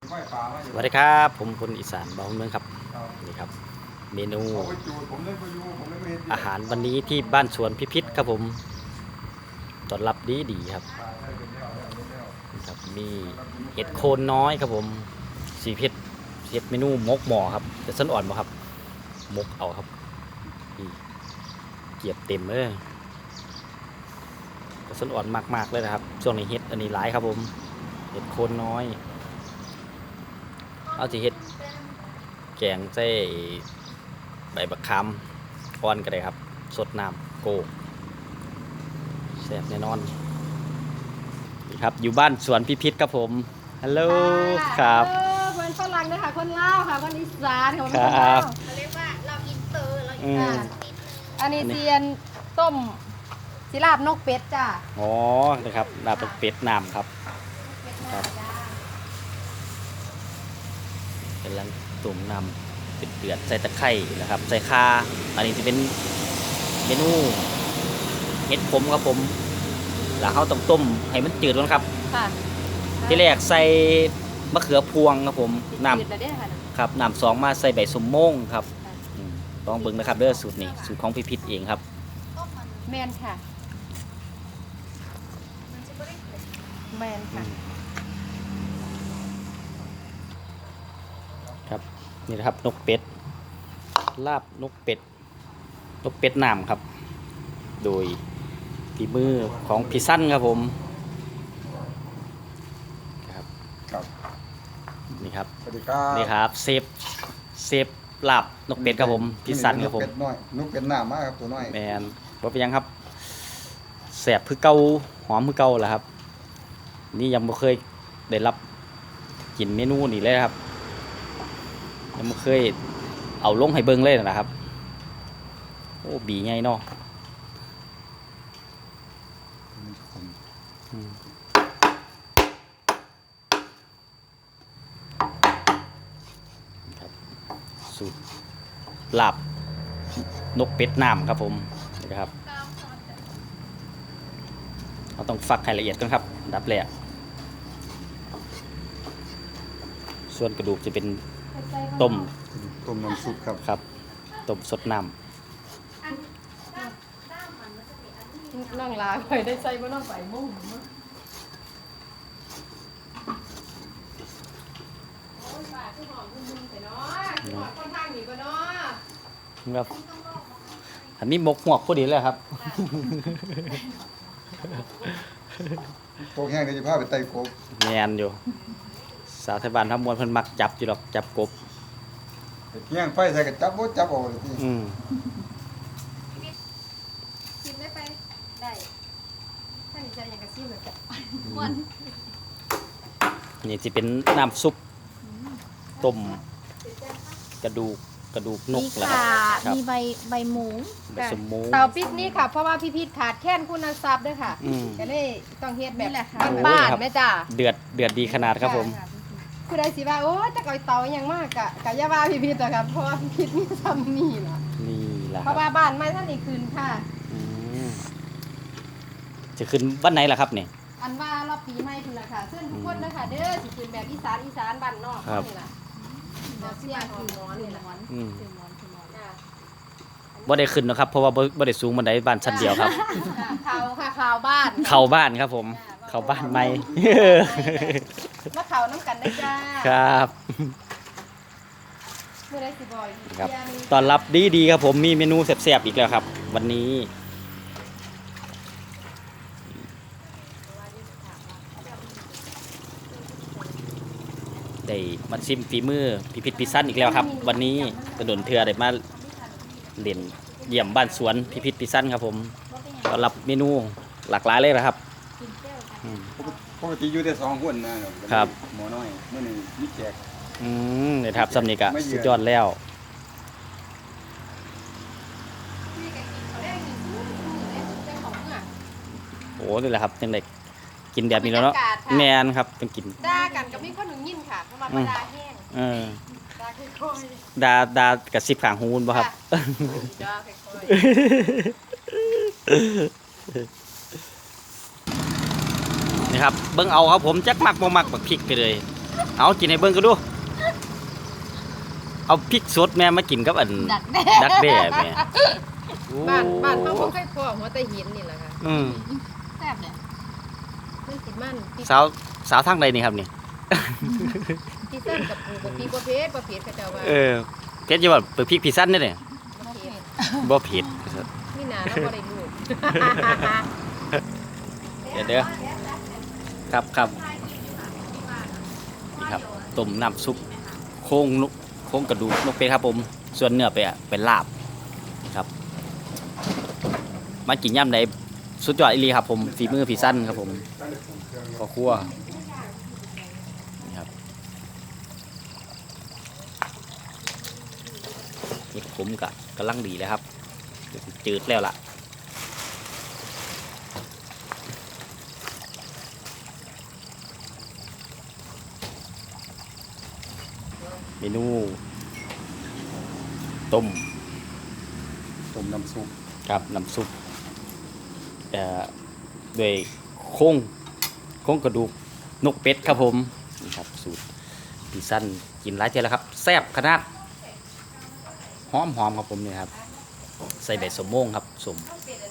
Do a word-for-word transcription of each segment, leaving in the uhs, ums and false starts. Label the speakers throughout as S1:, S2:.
S1: สวัสดีครับผมคนอีสานบ้านเมืองครับนี่ครับเมนูอาหารวันนี้ที่บ้านสวนพิพิธครับผมต้อนรับดีดีครับครับมีเห็ดโคนน้อยครับผมสีเพชรเห็ดเมนูมกหมอครับจะส้นอ่อนบ่ครับมกเอาครับเกียบเต็มเลยจะส้นอ่อนมากๆเลยนะครับช่วงนี้เห็ดอันนี้หลายครับผมเห็ดโคนน้อยเอาสิเห็ดแกงใส่ใบบักคำอ่อนก็ได้ครับสดน้ำโกแซ่บแน่นอนนี่ครับอยู่บ้านสวนพิพิธครับผมฮัลโหลครับ
S2: คนฝรั่งนะคะคนลาวค่ะคนอีสานค่ะคน
S1: ลาว
S3: เขาเรียกว่าเราอินเตอร์เราอินเตอร์
S2: อันนี้เซียนต้มศิลาบนกเป็ดจ้า
S1: อ๋อนะครับลาบเป็ดน้ำครับครับเป็นลังตุ่มน้ำเป็ดเดือดใส่ตะไคร้นะครับใส่ข่าอันนี้จะเป็นเมนูเห็ดขมครับผมแล้วเขาต้องต้มให้มันจืดก่อนครับที่แรกใส่มะเขือพวงครับผมน้ำครับน้ำสองมาใส่ใบสมโม่งครับลองเบิ่งนะครับเด้อสูตรนี้สูตรของพิพิธเองครับ
S2: แมนค่ะแมนค่ะ
S1: ครับนี่นะครับนกเป็ดลาบนกเป็ดนกเป็ดน้ำครับโดยฝีมือของพี่สั้นครับผมครับ
S4: ครับ
S1: นี่ครับ
S4: สวัสดีครับ
S1: นี่ครับเซฟเซฟลาบนกเป็ดครับผมพี่สั้นครับผม
S4: นกเป็ดน้อยนกเป็ดหน้ามากครับตัวน้อย
S1: แมนว่าเป็นยังครับแสบคือเก่าหอมคือเก่าแหละครับนี่ยังไม่เคยได้รับกินเมนูนี้เลยครับยังไม่เคยเอาลงให้เบิ้งเลยนะครับโอ้บีไงเนาะสูตรลาบนกเป็ดน้ำครับผมนะครับเราต้องฝักให้ละเอียดก่อนครับดับแรกส่วนกระดูกจะเป็นต้ม
S4: ต้มน้ำซุปครับ
S1: ครับต้มสดน้ำ
S2: น้องลาไปได้ใส่บ่น้องไปมุ่ง
S1: ครับอันนี้มกหวกพอดีเลยครับ
S4: โป๊กแห้งเดี๋ยวจะพาไปไต่กบ
S1: แมนอยู่สาวไทยบ้านทำมวลเพิ่นมักจับอยู่หรอกจับกบ
S4: แห้งไฟใส่กับจับบ่จับเอาเลยที่
S1: อืม
S2: ชิมได้ไปได้ถ้ามีใจอย่างกระซิบเหมือนกันม่วน
S1: นี่จะเป็นน้ำซุปต้มกระดูกกระดูกนกแหละครับ
S3: มีใบใบหมู
S1: ใบสมมู
S2: เตาปิกนี่ค่ะเพราะว่าพี่พีทขาดแค่นคุณทรัพย์ด้วยค่ะก็เลยต้องเฮ็ดแบบบ้านๆแม่จ้า
S1: เดือดเดือดดีขนาดครับผม
S2: คือได้สิว่าโอ้จะก่อยเตาอย่างมากกะกะอย่าว่าพี่พีทอะครับเพราะว่าพี่พีทมีซ้ำนี่ล่ะ
S1: นี่แหละ
S2: เพราะว่าบ้านไม่ท่านนี่คืนค่ะ
S1: จะขึ้นวันไหนล่ะครับเนี่ย
S2: อันว่ารอบปีใหม่พุ่นล่ะค่ะซึ่งทุกคนนะคะเด้อสิคืนแบบอีสานอีสานบ้านนอกนี่ล่ะเดี๋ยวเสียคืนนอนนี่ล่ะ
S1: อืมบ่ได้ขึ้นนะครับเพราะว่าบ่ได้สูงบันไดบ้านชั้นเดียวครับ
S2: ข่าวค่ะข่าวบ้าน
S1: เข้าบ้านครับผมเข้าบ้านใหม่
S2: มาข่าวน้ำกันได้จ้า
S1: ครับ
S2: เมื่อไรสิบอย
S1: ครับตอนรับดีดีครับผมมีเมนูแซ่บๆอีกแล้วครับวันนี้ได้มาชิมฝีมือพิพิธพิสั้นอีกแล้วครับวันนี้กระโดนเถื่อได้มาเล่นเยี่ยมบ้านสวนพิพิธพิสั้นครับผมต้อนรับเมนูหลากหลายเลยนะครับ
S4: ปกติอยู่ได้สองคนนะครับหมอน้อยเมื่อหนึ่งมีแขก
S1: อืมเนี่ยครับสำเนียงสุดยอดแล้วโอ้นี่แหละครับยังเด็กกินแบบนี้แล้วเนาะแมนครับต้องกิน
S2: ด่ากันกับมีคนหนึ่งยินค่ะเพราะมาด่าแห้ง
S1: เออดาดากระซิบขางหูนป่ะครับนี่ครับเบิ้งเอาครับผมจักมักบ่มักบักพริกไปเลยเอากินให้เบิ่งก็ดู เอาพริกสดแม่มากินกับอัน
S3: ดักแด้
S1: ดักแด้แม่โอ้
S2: บ้านบ้านเขาบ่เคยพอหัวแต่หินนี่แหละค่ะ
S1: อืม
S3: แซ่บเลย
S2: เพิ่นสิมันพี่
S1: สาวสาวทางใดนี่ครับนี่
S2: พี่เส้นกับปูกับพี่บ่เพชรบ่เพชรเขาเจ้าว่า
S1: เออเพชรอยู่ว่าเปิดพริกพิซันนี่เนี่ย
S2: บ่เพชร
S1: บ่เผ็ด
S2: นี่นาเราบ่ได้ลูก
S1: เดี๋ยวเด้อครับครับนี่ครับต้มน้ำซุปโค้งนกโค้งกระดูกนกเป็ดครับผมส่วนเนื้อไปอ่ะเป็นลาบครับมากินย่ำใดสุดยอดอีหลีครับผมฝีมือพี่สั้นครับผมก็คั่วนี่ครับเห็ดผมกะกำลังดีเลยครับเดี๋ยวสิจืดแล้วล่ะเมนูต้ม
S4: ต้มน้ำซุป
S1: ครับน้ำซุปเอ่อด้วยโค้งโค้งกระดูกนกเป็ดครับผมนี่ครับสูตรพี่สั้นกินหลายเท่าแล้วครับแซ่บขนาดหอมหอมครับผมเนี่ยครับใส่ใบสมโมงครับสม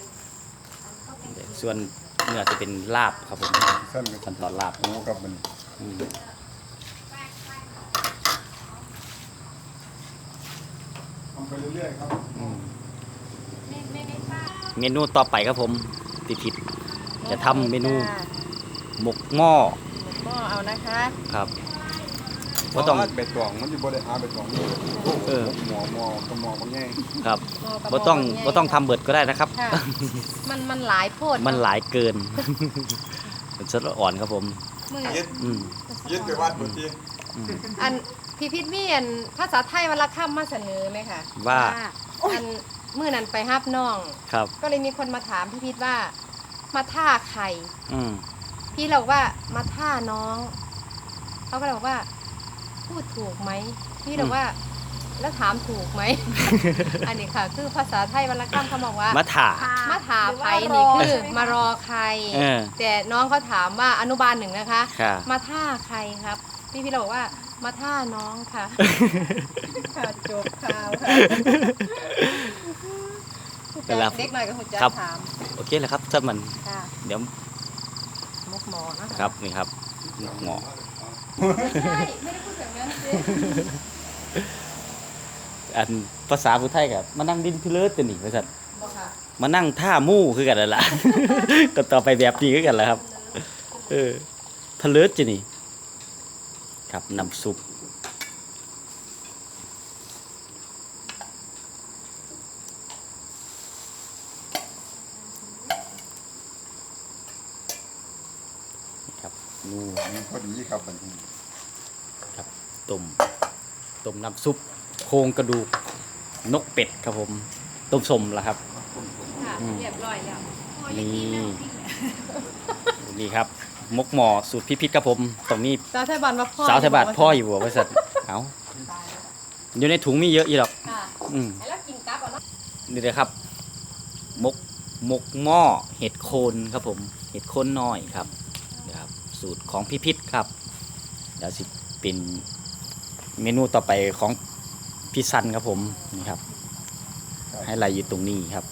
S1: ส่วนเนื้อจะเป็นลาบครับผม
S4: สั้นกับ
S1: ขั้นตอนลาบ
S4: หมูกับมัน
S1: อืม
S4: ทำไปเรื่อยๆครับ
S1: อืมเมนูต่อไปครับผมติดผิดจะทำเมนูหมกหม้อ
S2: หม้อเอานะคะ
S1: ครับ
S4: บ่
S1: ว่าต้อง
S4: เบ็ดตองมันสิบ่ได้หาเบ็ดตองนี่
S1: เออ
S4: หมอหมอกับหมอบ่ง่าย
S1: ครับ
S2: หม้อกับ
S1: บ่ต้อง
S2: หม้
S1: บ่ต้องทำเบิดก็ได้นะครับ
S2: ค่ะมันมันหลายโพด
S1: มันหลายเกิน มันสดอ่อนครับผม
S2: มือ
S4: เย็ด
S1: อืม
S4: เย็ดไปวัดบ่ติ
S1: อืม
S2: อันพี่พิษมีอันภาษาไทยวรรณคำมาเสนอไหมคะ
S1: ว่า
S2: อันมื้อนั้นไปฮับน้อง
S1: ครับ
S2: ก็เลยมีคนมาถามพี่พิษว่า มาท่าใคร
S1: อืม
S2: พี่เราบอกว่ามาท่าน้องเขาก็เลยบอกว่า พูดถูกไหมพี่เราว่า แล้วถามถูกไหม อันนี้ค่ะ คือภาษาไทยวรรณคำเขาบอกว่า
S1: มาถ่า
S2: มาถามใครนี่คือมารอใคร
S1: เออ
S2: แต่น้องเขาถามว่าอนุบาลหนึ่งนะคะ
S1: ค่ะ
S2: มาท่าใครครับ พี่พี่เราบอกว่ามาท่าน้องค่ะ ค่ะจบข่าวค่ะ
S1: เวลา
S2: เด็กหน่อยก็หุ่นจะ
S1: ครับ
S2: ถาม
S1: โอเคแล้วครับถ้ามัน
S2: ค่ะ
S1: เดี๋ยว
S2: มุกหมอนะคะ
S1: ครับนี่ครับหมอ
S2: ไม่ใช่ไม่ได้พูดแบบนั้นสิ
S1: อันภาษาพุทธไทยกับมานั่งดินพิเลิศตัวนี้บริษัท
S2: บอกค่ะ
S1: มานั่งท่ามู่คือกันนั่นล่ะ ก็ต่อไปแบบนี้คือกันแหล้วครับ เออทะเลิศจีนี่ครับน้ำซุปนี่ครับนู
S4: มันพอดีครับบัดนี้
S1: ครับต้มต้มน้ำซุปโครงกระดูกนกเป็ดครับผมต้มสมแล้วครับ
S2: ค่ะ
S1: อืม
S2: เรียบร้อยแล้ว
S1: นี่นี่ครับมกหมอสูตรพิพิธครับผมตรงนี้
S2: สาวไทยบ้านว่าพ่อ
S1: สาวไทยบาทพ่ออยู่บ่บริษัทเอาอยู่ในถุงมีเยอะอีหรอก
S2: ค่ะ
S1: อืม
S2: แล้วกินกับเอาเนาะ
S1: นี่เลยครับมกมกหม้อเห็ดโคนครับผมเห็ดโคนน้อยครับนี่ครับ สูตรของพิพิธครับเดี๋ยวสิเป็นเมนูต่อไปของพี่ซันครับผมนี่ครับ ให้ไล่อยู่ตรงนี้ครับ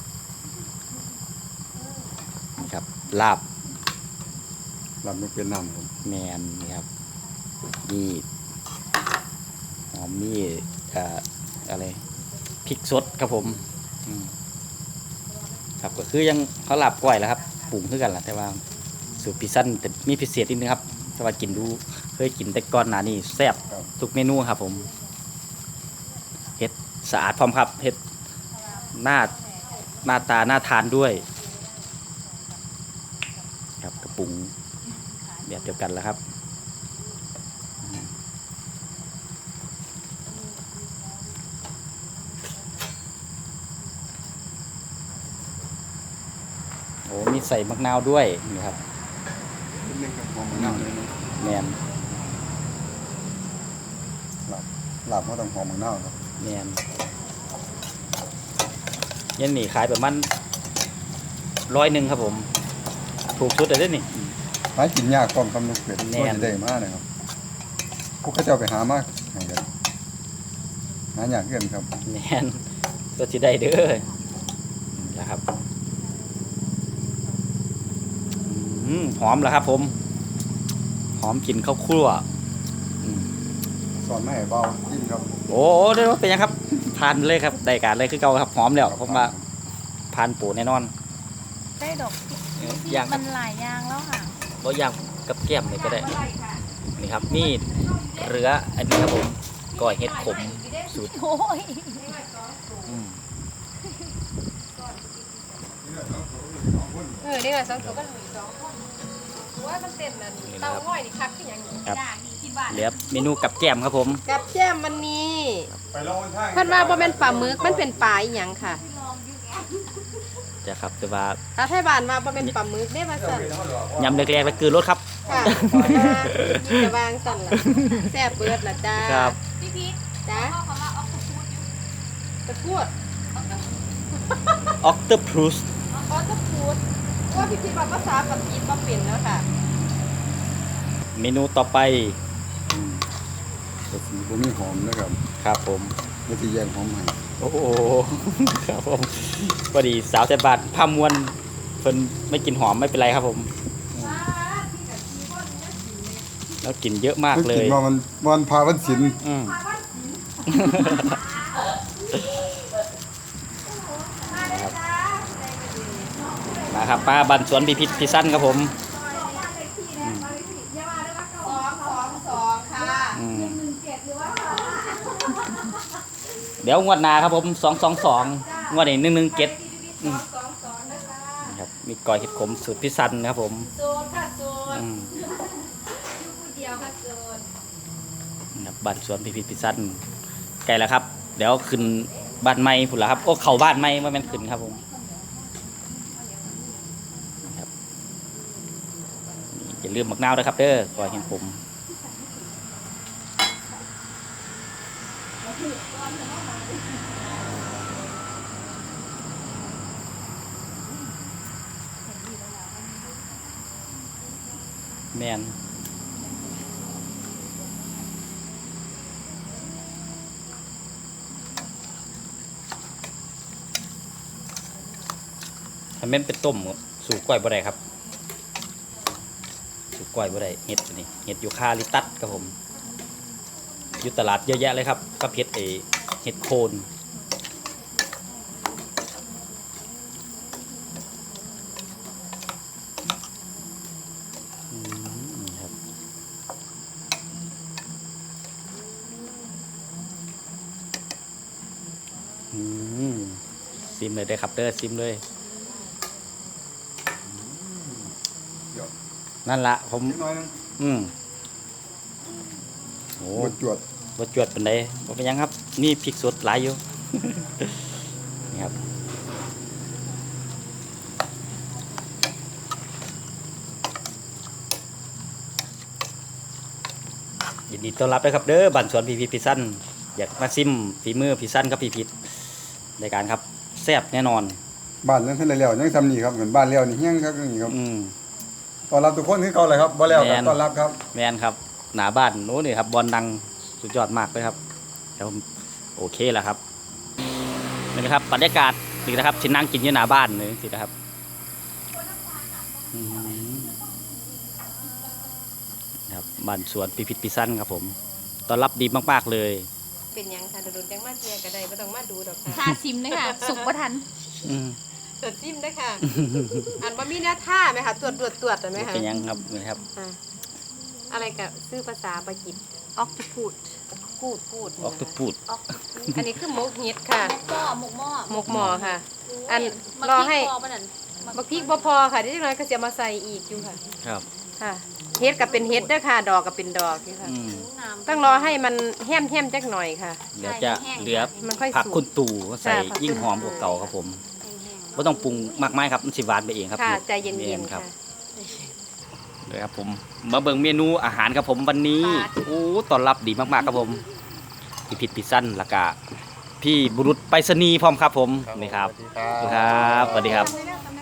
S1: นี่ครับลาบ
S4: ลำมันเป็นน้ำครับ
S1: แมนนี่ครับมีหอมมีเอ่ออะไรพริกสดครับผมอืมครับก็คือยังเขาลาบก้อยแล้วครับปรุงคือกันแหละแต่ว่าสูตรพิซซันแต่มีพิเศษนิดนึงครับแต่ว่ากินดูเคยกินแต่ก่อนหน้านี้แซ่บ
S4: ครับ
S1: ทุกเมนูครับผมเฮ็ดสะอาดพร้อมครับเฮ็ดหน้าหน้าตาน่าทานด้วย ครับกระปุงแบบเดียวกันแล้วครับอืมโอ้มีใส่มะนาวด้วยนี่ครับ
S4: นิดนึงครับหอมมะนาวเลยนะ
S1: แมน
S4: ลาบลาบก็ต้องหอมมะนาวครับ
S1: แมนยันหนีขายประมาณร้อยหนึ่งครับผม ถูกสุดเลยเด้อนี่
S4: หากินยากพร้อมคำนกเป็ด
S1: แน่
S4: ก็จะได้มานะครับผู้เขาเจ้าไปหามากให้กันหาอยากเกินครับ
S1: แมนก็สิได้เด้อนะครับอืมหอมแล้วครับผมหอมกลิ่นข้าวคั่วอืม
S4: สอนไม่ให้เบายิ่งครับ
S1: โอ้โหได้ว่าเป็นยังครับทานเลยครับได้การเลยคือเก่าครับหอมแล้วผมว่าทานปูแน่นอน
S3: ได้ดอก
S1: เอ้ยย่าง
S3: มันหลายอย่างแล้วค่ะ
S1: ก็ย่างกับแก้มเลยก็ได้นี่ครับนี่เรืออันนี้ครับผมก้อยเห็ดขมสูตร
S3: โอ้ย
S1: อืม
S2: เออนี่ก็สองตัวก็มีสองคนว่ามันเต็มนั่นเต้าห้อยนี่คักที่ยังอยู่
S1: ครับ
S3: ด่างดีคิดว่า
S1: เหลือเมนูกับแก้มครับผม
S2: กับแจ้มวันนี้
S4: ไปลองทาง
S2: เพิ่นว่าบ่แม่นปลาหมึกมันเป็นปลาอีหยังค่ะ
S1: จะครับแต่ว่า
S2: ถ้าไทยบ้านว่าบ่แม่นปลาหมึกเด้ว่าซั่น
S1: ยำแรกๆแล้วคือรสครับ
S2: ค่ะจะวางสั่นล่ะแซ่บเบิดล่ะจ้า
S1: ครับ
S3: พี่พีท
S2: จ้า
S3: พ่อเขาว่าออกคูดอยู่
S2: ตะพูด
S1: ออกเตอร์พรูส
S2: อ๋อตะพูดว่าพี่คิดว่าภาษาปากีสบ่เป็นแล้วค่ะ
S1: เมนูต่อไป
S4: แต่สีผมมีหอมนะครับ
S1: ครับผม
S4: ไม่ที่แยงหอมให้
S1: โอ้โห ครับผมพอดีสาวแต่บาทพามวนเพิ่นไม่กินหอมไม่เป็นไรครับผม แล้วกลิ่นเยอะมากเล
S4: กิ
S1: ย
S4: นว่ามันวันพาวันศิลป์
S1: อืมนะครับมาครับป้าบันสวนพิพิธพิสั้นครับผม
S2: สองสองสองค่ะ
S1: อืมเดี๋ยวงวดหน้าครับผมสองสองสองงวดนี้หนึ่งหนึ่งเจ็ด
S2: สองสองสองนะคะ
S1: ครับมีก้อยเห็ดขมสูตรพิสั้นครับผม
S2: โซนค่ะโซน
S1: อืม
S2: อยู่ผู้เดียวค่ะโซน
S1: ครับบ้านสวนพิพิธพิสั้นไกลแล้วครับ เดี๋ยวขึ้นบ้านใหม่พุ่นละครับโอ้เข้าบ้านใหม่ว่าแม่นขึ้นครับผมครับนี่อย่าลืมหมักนาวด้วยครับเด้อก้อยเห็ดขมแมนถ้าแม่นเป็นต้มสู่ก้อยบ่ได้ครับสู่ก้อยบ่ได้เห็ดอันนี่เห็ดยูคาลิปตัสครับผมอยู่ตลาดเยอะแยะเลยครับกับเห็ดเอเห็ดโคนอืมครับอืมซิมเลยได้อครับเด้อซิมเลย
S4: เดี๋ยว
S1: นั่นละผม
S4: นิดหน่อยนึง
S1: อืมโอ้
S4: บดจวด
S1: บ่จวดเป็นไดบ่เป็นหยังครับ นี่พริกสดหลายอยู่ นี่ครับยินดีต้อนรับด้วยครับเด้อบ้านสวนพีพีพิซซันอยากมาซิมฝีมือพิซซันครับพี่พิษในการครับแซ่บแน่นอน
S4: บ้านนั้นท่านแล้วยังทำนี่ครับเหมือนบ้านแล้วนี่เฮี้ยงครับนี่ครับ
S1: อืม
S4: ต้อนรับทุกคนที่เก่าเลยครับบ่แล้วค
S1: แม่
S4: รับ
S1: น
S4: ต้อนรับครับ
S1: แมนครับหนาบ้านโน้นนี่ครับบอลดังสุดยอดมากเลยครับแล้วผมโอเคแล้วครับนี่นะครับบรรยากาศนี่นะครับชินนั่งกินอยู่หน้าบ้านเลยสินะครับอืมครับบ้านสวนพิพิธพิซันครับผมต้อนรับดีมากๆเลย
S2: เป็นหยังค่ะโดนๆจังมาเทียก็ได้บ่ต้องมาดูดอกค่ะ
S3: ชาซิมเลยค่ะ สุกประทัน
S1: อืม
S2: ตรวจจิ้มได้อค่ะ อันบ่มีหน้าท่าไหมคะตรวจตรวจตรวจได้ไหมคะ
S1: เป็นยังครับนี่ครับ
S2: อ่ะอะไรกับชื่อภาษาปากีสออกพูดพูดพูด
S1: ออกทุกพูด
S3: ออก
S2: อันนี้คือหมกเห็ดค่ะ
S3: หม้อหมกหม้อ
S2: หมกหมอค่ะ อัน
S3: มัก
S2: รอให้
S3: พริกพอปะนั่น
S2: บักพริกบ่พอค่ะที่จังน้อยก็สิเอามาใส่อีกอยู่ค่ะ
S1: ครับ
S2: ค่ะเฮ็ดกับเป็นเฮ็ดเด้อค่ะ ดอกกับเป็นดอกอยู่ค่ะ
S1: อืม
S3: น้ำ
S2: ต้องรอให้มันแห้มๆจักหน่อยค่ะ
S1: เดี๋ยวจะเหลือ
S2: มันค่อย
S1: ผัก
S2: สุ
S1: คุ
S2: ก
S1: ณตู่ใส่
S2: ค่ะผัก
S1: ยิ่ง
S2: คุณ
S1: หอมกว่าเก่าครับผม
S3: แห้งๆ
S1: ไม่ต้องปรุงมากมายครับมันสิหวานไปเองครับ
S2: ค่ะใจเย็น
S1: แม่
S2: ๆ
S1: ครั
S2: ค่ะ
S1: บ เลยครับผมมาเบิ่งเมนูอาหารครับผมวันนี้
S2: ค่ะ
S1: โอ้ต้อนรับดีมากๆครับผมพี่พิษพิสั้นแล้วก็พี่บุรุษไปรษณีย์พร้อมครับผมนี่ครับ
S4: สวัสดีครับ
S1: สวัสดีครับสวัสดีครับ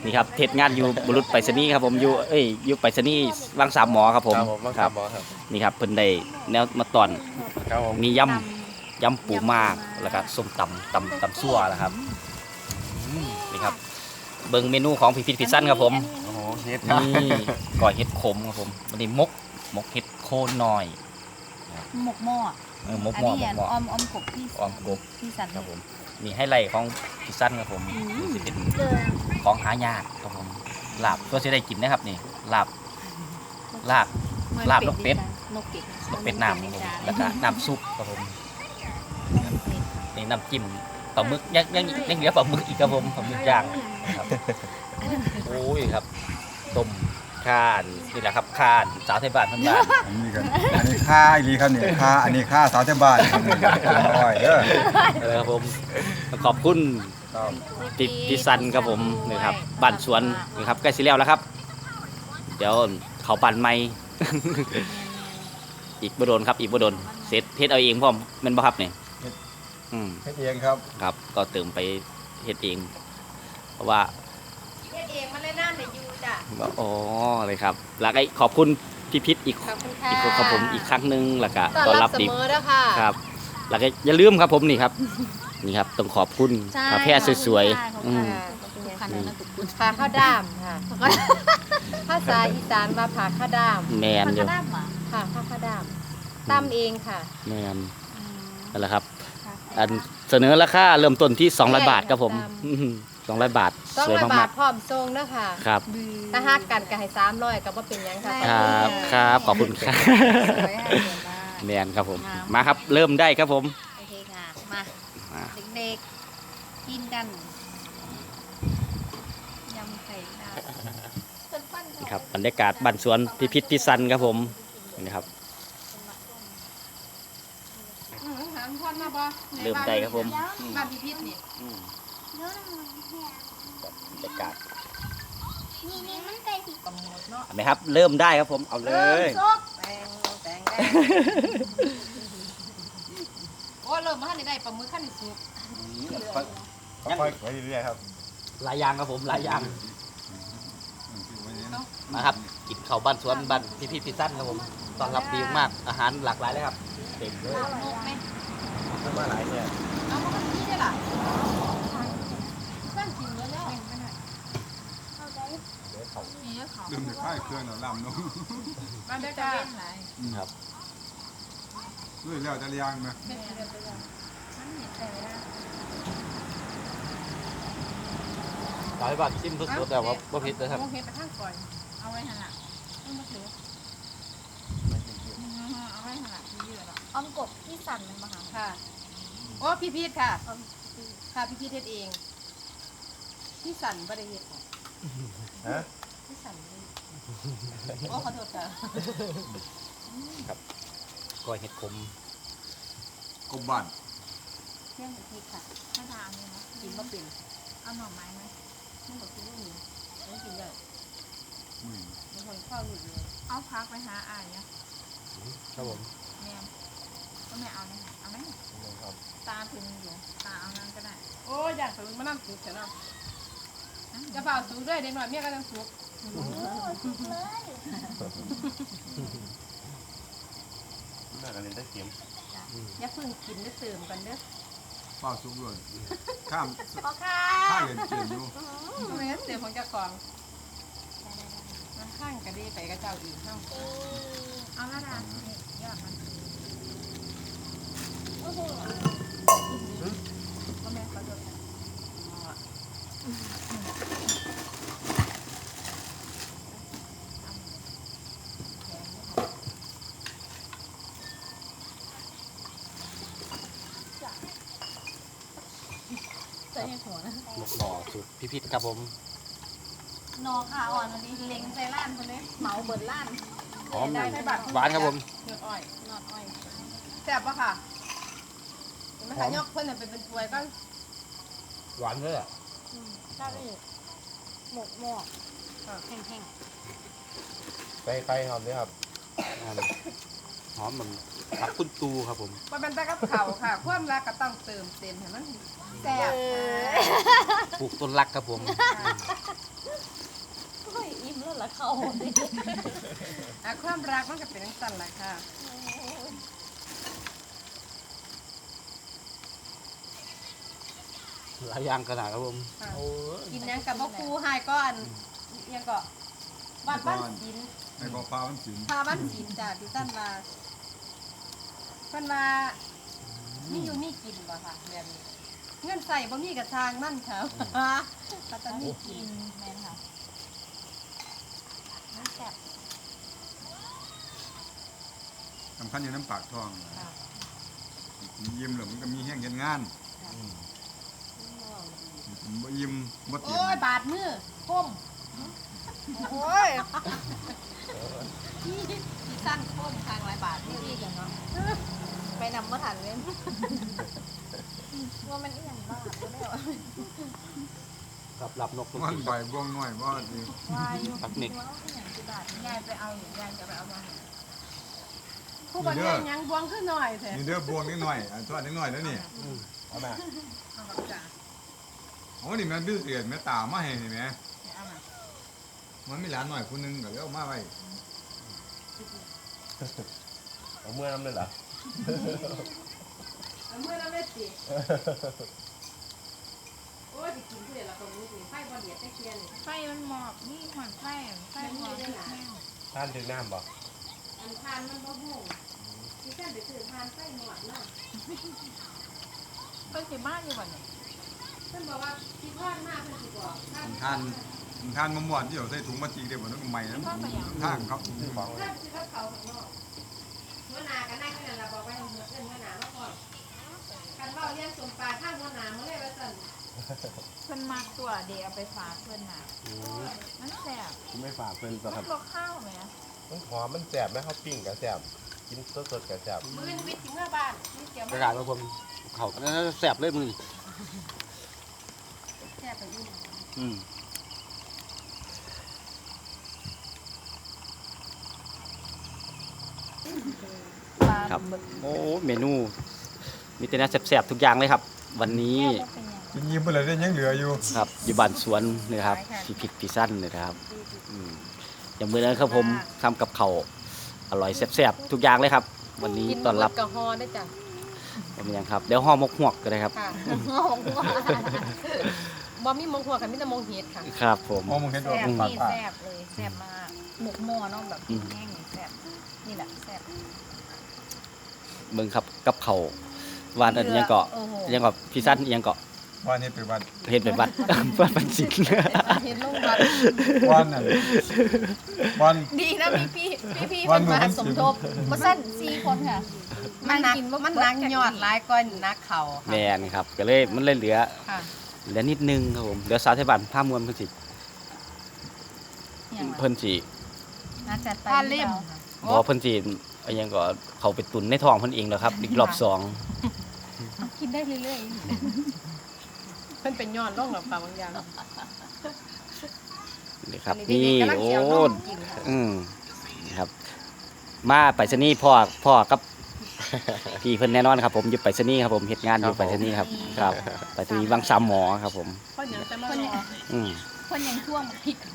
S1: นี่ครับเทศงานอยู่บุรุษไปรษณีย์ครับผมอยู่เอ้ยอยู่ไปรษณีย์วังสามหมอครับผม
S5: ครับผมบ้างครับหมอครับ
S1: นี่ครับเพิ่นได้แนวมาตอน
S5: ครับผม
S1: มียำยำปูมากแล้วก็ส้มตำตำตำซั่วนะครับอืมนี่ครับเบิ่งเมนูของพิพิธพิซซันครับผม
S5: โอ้โหเฮ็ดครับ
S1: นี่ก่อยเห็ดขมครับผมวันนี้มกมกเห็ดโคนน้อย
S3: หมกหม้อ
S1: เออมก
S3: อัน
S1: หม้อ
S3: นี้
S1: มกหม้อ
S3: ออมออมกบที่
S1: ออมกบ
S3: ที่สัน
S1: ครับผมนี่ให้ไล่ของพิซซันครับผมนี่สิเป็นของหายากครับผมลาบก็จะได้กินนะครับนี่ลาบลาบ ลาบนกเป็ด
S3: นกเป็ด
S1: นกเป็ดน้ำครับผมแล้วก็น้ำซุปครับผมนี่น้ำจิ้มปลาหมึกยังยังยังเหลือปลาหมึกอีกครับผมปลาหมึกย่างนะครับโอ้ยครับต้มข่านนี่แหละครับข่านสาวไทยบ้านทั้งบ้าน
S4: อันนี้กันอันนี้ค่าอีหลีครับเนี่ยค่าอันนี้ค่าสาวเทศบาลครับนี่น้อยเด้อ
S1: เลยครับผมขอบคุณพี่พี่ซันครับผมนี่ครับบ้านสวนนี่ครับใกล้สิแล้วแล้วครับ เดี๋ยวเขาปั่นไม้ อีกบ่โดนครับอีกบ่โดนเสร็จเฮ็ดเอาเองพร้อมแม่นบ่ครับเนี่ยอืม
S4: เฮ็ดเองครับ
S1: ครับก็เติมไปเฮ็ดเอง เพราะว่า
S2: เฮ็ดเองมาเลยน้ำในยูจ้ะ
S1: อ๋อเลยครับแล้วก็ขอบคุณพี่พิษอีก
S2: ขอบคุณค่ะ
S1: อีกคนครับผมอีกครั้งหนึงแล้วก็
S2: ต้
S1: ต้
S2: อ
S1: อนน
S2: รั
S1: รั
S2: บบ เส
S1: ดี
S2: มอแล้วค่ะ
S1: ครับ แล้วก็อย่าลืมครับผมนี่ครับ นี่ครับต้องขอบคุณกาแฟสวยๆอืม
S3: ทุกคันเลยนะทุกคน
S2: ผาข้าวด้ามค่ะภาษาอีสานมาผาข้าวด้าม
S1: แมน
S3: มัน
S1: อ
S3: ก็
S1: ยู่
S3: ได้หมา
S2: ค่ะผาข้าวด้ามตั้มเองค่ะ
S1: แมน
S3: อืม
S1: นั่นแหละครับ อันเสนอราคาเริ่มต้นที่สองร้อยบาทครับผม
S2: ตาม
S1: สองร้อยบาท
S2: สอง
S1: สวย
S2: ร้อยบาม
S1: าก
S2: ทพร้อมทรงเด้อค่ะ
S1: ๆครับ
S2: ถ้าหักกันก็ให้สามร้อยก็บ่เป็นหยังค่ะ
S1: ครับครับขอบคุณครับ
S3: สวยค่ะสวยมาก
S1: แมนครับผม
S3: ครับ
S1: มาครับเริ่มได้ครับผม
S3: โอเคค่ะ มา
S1: มา
S3: เด็กๆ กินกัน ยำไข่ดาว
S1: นี่ครับบรรยากาศบ้านสวนพิพิธพิซันครับผมนี่ครับ
S2: อืมถามพ่อมาบ่
S1: เริ่มได้ครับผม
S2: บ้านพิพิธนี่
S1: อืมบรรยากาศ
S3: นี่นี่มันไก่สี
S2: กำหนดเนาะ
S1: เห็นไหมครับ เริ่มได้ครับผมเอาเลย
S2: แตงแตงได้โอ้เริ่มมาทันได้ปลาหมึกขั้นสุก
S5: ค่อยๆไปเรื่อยๆครับ
S1: หลายอย่างครับผมหลายอย่างมาครับกินข้าวบ้านสวนบ้านพิพิธพิซันครับผมต้อนรับดีมากอาหารหลากหลายเลยครับเต็มเลย
S2: นกไหม
S5: มันมาหลายเนี่ย
S2: เอามาที่นี่ล่ะบ้านกินแล้วแล้วมีเยอะเขา
S4: ลืมจะค่ายเครื่องเอาลำเนาะ
S2: บ้านเด็กจะเว้นหลาย
S1: ครับ
S4: ด้วยแล้วจะเลี้ยงนะ
S2: เป็นเดือนเป็นเดือนมันเห็นแต่ละ
S1: หลายบาทชิมทุกๆแต่ว่าบ่ผิดเลยครับ
S2: มองเห็นไปทางก่อนเอาไว้หันหลังต้องมาถือเอาไว้หันหลังเยอะแล้ว
S3: ออมกบที่สั่นมันมาหา
S2: ค่ะโอ้พี่พีทค่ะค่ะพี่พีทเฮ็ดเองพี่สันบ่ได้เฮ็ดค่ะ
S5: ฮะ
S2: พี่สันบ่ได้โอ้ขอโทษค่ะ
S1: ก้อยเห็ดขม
S4: กบบ้าน
S3: เรื่องพริกค่ะถ้าทานเนี่ยนะ
S2: กินบ่เป็น
S3: เอาหน่อไม้ไหม
S2: มันบ่กินบ่มีไม่กินได้
S4: อืม
S2: มันคนข้าวหลุดเลย
S3: เอาพักไปหาอายเนี่ย
S1: ครับผม
S3: แม่ก็ไม่เอาเนี่ยเอาไหมตาถึงอยู่ตาเอานั่นก็ได้
S2: โอ้อยากสูงมานั่งสูงเสียเนาะจะเปล่าสูงด้วยเด็กหน่อยเมียก็ต้องสูง
S5: น่าจะเล่นได้เข็ม
S2: อย่าเพิ่งกินได้เติมกันเด้อ
S4: เป้าสุกเลยข้าม
S3: พ่อค่ะ
S4: ข้าเห็นเกมอยู่
S2: ทำไมงั้นเติมของเจ้าของมันข้างกระดีไปกับเจ้าอีกเนาะ
S3: เอาละดานี่ยอดมัน
S2: ก็แม่เขาจะ
S3: ใส่หัวนะ
S1: หมกหน่อสูตรพิพิธครับผม
S3: นอขาอ่อนอันนี้เล็งใส่ล้านคนนี้เหมาเบิดล้าน
S1: หอมหวานครับผม
S2: เนื้ออ้อย
S3: นอดอ้อย
S2: แซ่บปะค่ะเห็นไหมคะยกเพื่อนเป็นเป็นถ้วยก็
S1: หวานเลยอ่ะ
S3: ข้าวอีกหมกหมอกแห้ง
S5: ไปไข่ครับเนี่ยครับ
S1: หอมเหมือนผักคุณตูครับผม
S2: มันเป็นแต่กับเขาวค่ะความรักก็ต้องเติมเต็มให้มันแซ่บ
S1: ปลูกต้นรักครับผม
S3: ๆแล้วเข้า
S2: อ่ะความรักมันก็เป็นจังซั่นแหละค่ะ
S1: หลายอย่างขนาดครับผม
S2: ค่ะ
S1: โอ้ย
S2: กินหยังกับบ่คูหายก็อันอิหยังก็บ้านบ้านศิลป์
S4: ไอ้กอฟ้ามันสิน
S2: พาบ้านศิลป์จ้ะที่ท่านว่าเพิ่นว่ามีอยู่มีกินบ่ค่ะแบบนี้เงินใส่บ่มีกระทางนั่นค่ะก็จะมีกิ
S3: กิ
S2: น
S3: นแม่นค่ะน้ำแซ่บ
S4: สำคัญอยู่น้ำปากท้อง
S2: ค่ะ
S4: ยิ้มแล้วมันก็มีแห้งเห็นงานผมบ่ยิ้มบ่เตีย
S2: โอ้ย
S4: ม
S2: บาดมือคมโอ้ยพี่พี่สั้นคมทางหลายบาทนี่ดีกันเนาะไปนำมาทันเลย
S3: ว่ามันอีหยังบ้าบ่ได้ว่า
S1: กับหลับนก
S4: มันใบบ่วงน้อยบ่ดี
S3: วายอยู่
S1: ปักนิก
S3: ว่าอีหยังสิบาทยายไปเอาอยู่ยายจะไปเอามาให้
S2: ผู้บันยังยังบวงขึ้นหน่อยแท้
S4: นี่เด้อบวงนิดหน่อยอันทอดนิดหน่อยแล้วนี่
S5: เอามา
S3: เอากับจ่า
S4: โอ้นี่มันดื้อเสียดแม่ตามาให้นี่แหม
S3: เอามา
S4: มันมีหลานหน่อยคนนึงก็เลยเอามาไว้
S5: เอาเมื่อน้ำเลยเหรอ
S2: เอามื่อเราเม็ดสิโอ้ยจะกินเพื่อนเราตรงนี้สิไฟบอเดียดตะเคียนนี่
S3: ไฟมันหมอกนี่หมอนไฟไฟหมอกพริกแห้ง
S5: ท่านถึงน้ำบ่
S2: อันทานมันบ่หูที่ท่านไปซื้อทานไฟหมดเนาะ
S3: เพิ่นสิมาอยู่บ่เนี่ย
S2: ท่านบอกว่าที่ทอดมากเพิ่นสิบอกท่าน
S4: ทานทานมะม่วนที่เอาใส่ถุงมาจีเดี๋ยวมันต้องใหม่นะทางครับ
S5: ซื้อของเล
S2: ท่าย นสิเขาเขาข้างนอกหัวหน้าก็นั่งอยู่นั่นล่ะบอกว่าให้เอิ้นหัวหน้ามาก่อนกันเว้าเลี้ยงสมปลาทางหัวหน้ามาเลยว่าซั่น
S3: เพิ่นมักตัวเดี๋ยวเอาไปฝากเพิ่นน่ะมันแซ่บ
S5: ไม่ฝากเพิ่นต่อค
S3: มั
S5: รับ
S3: นบ่ข้าวแหม
S5: มันหอมมันแสบไหมเขาปิ้งกับแสบกินสดๆกับแสบ
S2: มื้อนี้วิทย์สิเมื่อบ้านมีเกี่ยว
S1: กระ
S2: มา
S1: ดาษครับผมเขาแสบเลยมือ
S2: แซ่บไปอยู่
S1: อืม
S3: ปลา
S1: ครับ
S3: หมึก
S1: โอ้เมนู มีแต่น่าแสบๆทุกอย่างเลยครับ วันนี้
S3: แซ่บบ่เป็นหยัง
S4: กินยิ้มไปเลยยังเหลืออยู่
S1: ครับอยู่บ้านสวนนะครับพี่ผิดพี่สั้นนะครับอืมอย่างมื้อนั้นครับผมทำกับเขาวอร่อยแซ่บๆทุกอย่างเลยครับ วันนี้ต้อนรับ
S2: กินหมดกับฮอได้จ้ะ
S1: เป็นยังครับเดี๋ยวห่อหมกหวกก็ได้ครับ
S2: ค่ะ
S3: ของว่า
S2: บ่มีมงหัวกับมีแต่มงเฮ็ดค่ะ
S1: ครับผม
S4: มองมึงเห็นตัว
S3: แซ่บ
S4: ปาก
S3: นี่
S4: ปาก
S3: แซ่บเลยแซ่บมากหมกหม้อเนาะแบบ
S1: อืม
S3: แห้งนี่แซ่บนี่แหละแซ่บ
S1: เบิ่งครับกับเขาววานอันยังเกาะ
S3: โอ้โห
S1: ยังเกาะพี่สั้นยังเกาะ
S4: ว่านนี่ไปวัด
S1: เห็นเป็นวัด วัดปันสิน
S2: เห็นลงวัด
S4: ว่านนั่นว่าน
S3: ดีนะมีพี่พี่พี่
S4: วั
S3: เป็น น
S4: หมู่
S3: มา
S4: เป็น
S3: สม
S4: สิบ
S3: ทบมาสั้นสี่คนค่ะ
S2: มันหนักมันหนักยอดหลายก้อนนักเขา
S1: แม
S2: ค่ะ
S1: นครับก็เลยมันเลยเหลือ
S2: ค่ะ
S1: เหลือนิดนึงครับผมเดี๋ยวสาวไทยบ้านผ้ามวลเพิ่นสิ
S3: อย่างไร
S1: เพิ่นสิ
S3: น่าจะไป
S2: ผ้าเล่ม
S1: บ่เพิ่นสิเอาหยังก็เขาไปตุนในท้องเพิ่นเองแล้วครับ อีกรอบสอง
S3: กินได้เรื่อย
S2: เพิ่นเป็นยอดลงหรอกค่ะบางอย่าง
S1: นี่ครับ
S2: อั
S1: นี่
S2: เด็กๆกำลัง
S1: โอ้
S2: เสียวนมกินค่ะ
S1: อืมนี่ครับ มาไปรษณีย์พ่อพ่อกับ พี่เพิ่นแน่นอนครับ ผมอยู่ไปรษณีย์ครับผมเฮ็ดงานอยู่ไปรษณีย์ครับครับไปรษณีย์วังสามหมอครับผม
S2: เพราะเดี๋ยวจะมา
S3: คน
S2: ร
S3: ยัง
S2: อ
S1: อืม
S3: คนยังท่วงพริก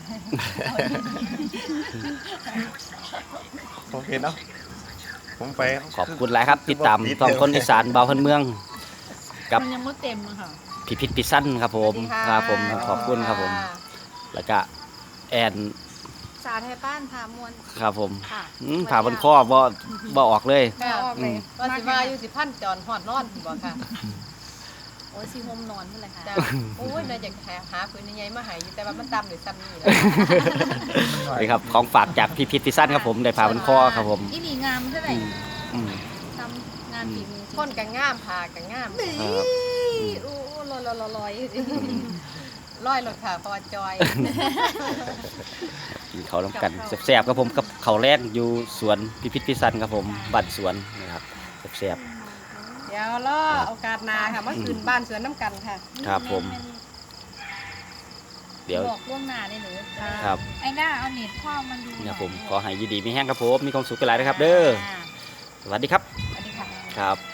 S5: โอเคเนาะผมไป
S1: ขอบคุณหลายครับ ติดตามท้องคนอีสานเบาพันเมือง กับ
S3: มันยังไม่เต็มอะค่ะ
S1: พิพิธพิสั้นครับผมครับผมขอบคุณครับผม แล้วก็แอน
S3: สาไทยบ้านพามวล
S1: ครับผม
S3: ค่ะ
S1: อืมผ่าบนข้อบ่บ่ออกเลย
S2: ค่ะ
S3: ออกเลย
S2: ว่าสิว่าอยู่สิพันจอนฮอดนอนบ่ค่ะ
S3: โอ้ยซีโฮมนอนเมื่อไหร่คะ
S2: จ้าโอ้ยน่าอยากหาหาปืนใหญ่ๆมาให้อยู่แต่ว่ามันตำหรือซ้ำนี่แหละ
S1: นี่ครับของฝากจากพิพิธพิสั้นครับผมได้ผ่าบนข้อครับผม
S3: อีนี่งามเท่าไหร่
S1: อืมอืม
S3: ทำงานฝีมือ
S2: คนก็งามพาก็งาม
S1: ครับ
S3: โอ้ลอยลอยลอยลอย
S2: ร้อยรถค่ะเพอจอย
S1: กินเขาวน้ำกันแซ่บๆครับผมกับเขาวแรกอยู่สวนพิพิธพิสั้นครับผมบ้านสวนนะครับแซ่บ
S2: เดี๋ยวรอโอกาสหน้าค่ะมาคืนบ้านสวนน้ำกันค่ะ
S1: ครับผม เดี๋ยว
S3: บอกล่วงหน้าได้เลย
S1: ครับ
S3: ไอ้หน้าเอาเน็ตพ่อมันดูห
S1: ๆ
S3: น่
S1: นะ
S3: อย
S1: ผมขอให้อยินดีมีแห้งครับผมมีความสุขกันหลายนะครับ เด้อ
S3: อ่า
S1: สวัสดีครับ
S3: สวัสดีค่ะ
S1: ครับ